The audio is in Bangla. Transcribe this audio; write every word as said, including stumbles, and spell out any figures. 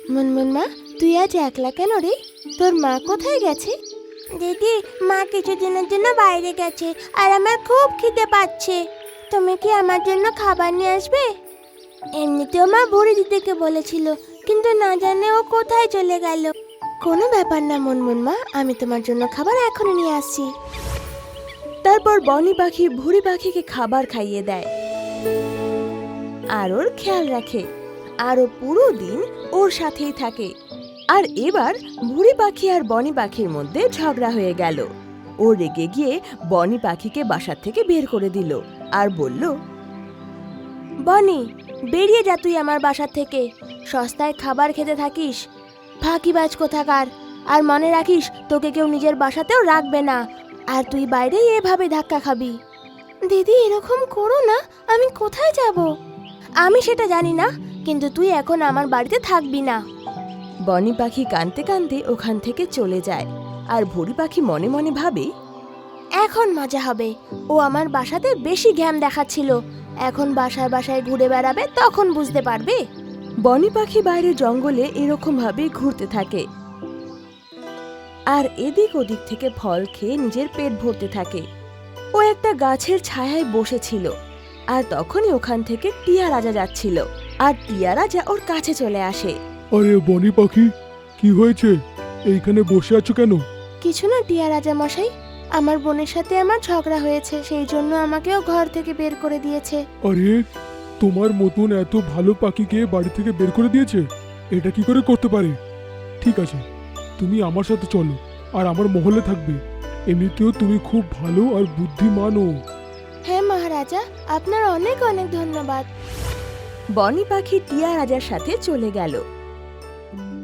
মুনমুন মা, তুই আজ একলা কেন রে? তোর মা কোথায় গেছে? দিদি, মা কিছুদিনের জন্য বাইরে গেছে আর আমার খুব খিদে পাচ্ছে। তুমি কি আমার জন্য খাবার নিয়ে আসবে? এমনিতেও মা ভরে দিতে বলেছিল, কিন্তু না জানে ও কোথায় চলে গেল। কোনো ব্যাপার না মুনমুন মা, আমি তোমার জন্য খাবার এখনই নিয়ে আসছি। তারপর বনি পাখি ভুঁড়ি পাখিকে খাবার খাইয়ে দেয় আর ওর খেয়াল রাখে, আর ও পুরো দিন ওর সাথেই থাকে। আর এবার ভুঁড়ি পাখি আর বনি পাখির মধ্যে ঝগড়া হয়ে গেল। ও রেগে গিয়ে বনি পাখিকে বাসার থেকে বের করে দিল আর বলল, বনি, বেরিয়ে যা তুই আমার বাসা থেকে। সস্তায় খাবার খেতে থাকিস, ফাঁকিবাজ কোথাকার। আর মনে রাখিস, তোকে কেউ নিজের বাসাতেও রাখবে না, আর তুই বাইরে এভাবে ধাক্কা খাবি। দিদি, এরকম করো না, আমি কোথায় যাব? আমি সেটা জানি না, কিন্তু তুই এখন আমার বাড়িতে থাকবি না। বনি পাখি কাঁদতে কাঁদতে ওখান থেকে চলে যায়। আর ভুঁড়ি পাখি মনে মনে ভাবে, এখন মজা হবে। ও আমার বাসাতে বেশি জ্ঞান দেখাচ্ছিল, এখন বাসায় বাসায় ঘুরে বেড়াবে, তখন বুঝতে পারবে। বনি পাখি বাইরে জঙ্গলে এরকম ভাবে ঘুরতে থাকে আর এদিক ওদিক থেকে ফল খেয়ে নিজের পেট ভরতে থাকে। ও একটা গাছের ছায়ায় বসেছিল, আর তখনই ওখান থেকে টিয়া রাজা যাচ্ছিল। আর টিয়া রাজা ওর কাছে চলে আসে। আরে বনি পাখি, কি হয়েছে? এইখানে বসে আছো কেন? কিছু না টিয়া রাজা মশাই, আমার বোনের সাথে আমার ঝগড়া হয়েছে, সেই জন্য আমাকেও ঘর থেকে বের করে দিয়েছে। আরে, তোমার মতন এত ভালো পাখিকে বাড়ি থেকে বের করে দিয়েছে? এটা কি করে করতে পারে? ঠিক আছে, তুমি আমার সাথে চলো আর আমার মহলে থাকবে। এমনিতেও তুমি খুব ভালো আর বুদ্ধিমানও। হ্যাঁ মহারাজা, আপনার অনেক অনেক ধন্যবাদ। বনি পাখি টিয়া রাজার সাথে চলে গেল।